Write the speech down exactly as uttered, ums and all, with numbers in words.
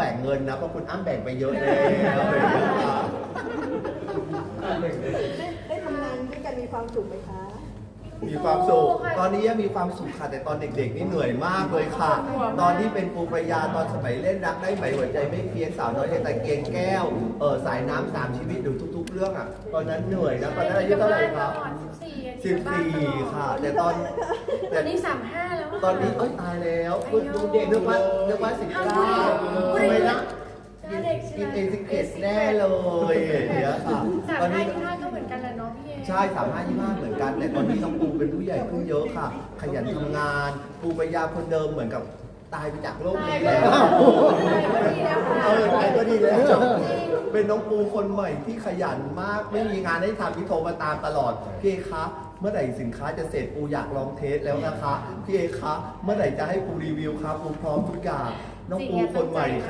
แบ่งเงินนะเพราะคุณอ้ำแบ่งไปเยอะแล้วได้ทำงานด้วยกันมีความสุขไหมคะมีความสุขตอนนี้ยังมีความสุขค่ะแต่ตอนเด็กๆนี่เหนื่อยมากเลยค่ะ ตอนที่เป็นปูปรายาตอนสมัยเล่นรักได้ไหมหัวใจไม่เพี้ยนสาวน้อยในตะเกียงแก้วเออสายน้ำสามชีวิตดูทุก ๆ เรื่องอ่ะตอนนั้นเหนื่อยนะตอนนั้นอายุเท่าไหร่ครับสิบสี่ค่ะแต่ตอนตอนนี้สามห้าแล้วตอนนี้เอ้ยตายแล้วคุณดูเด็กนึกว่านึกว่าสิบเก้าทำไมนะกินเอซิเกตแน่เลยอย่างเงี้ยค่ะสามตอนห้านี้ยี่ห้าก็เหมือนกันแหละเนาะพี่เอใช่สามห้ายี่ห้าเหมือนกันแต่ตอนนี้น้องปูเป็นผู้ใหญ่ขึ้นเยอะค่ะ ขยันทำงานปูปรายาคนเดิมเหมือนกับตายไปจากโลกนี้แล้ว เออตายก็ดีแล้วเป็นน้องปูคนใหม่ที่ขยันมากไม่มีงานให้ทำที่โทรมาตามตลอดพี่เอคะเมื่อไหร่สินค้าจะเสร็จปูอยากลองเทสแล้วนะคะพี่เอคะเมื่อไหร่จะให้ปูรีวิวครับปูพร้อมทุกอย่างน้องปูคนใหม่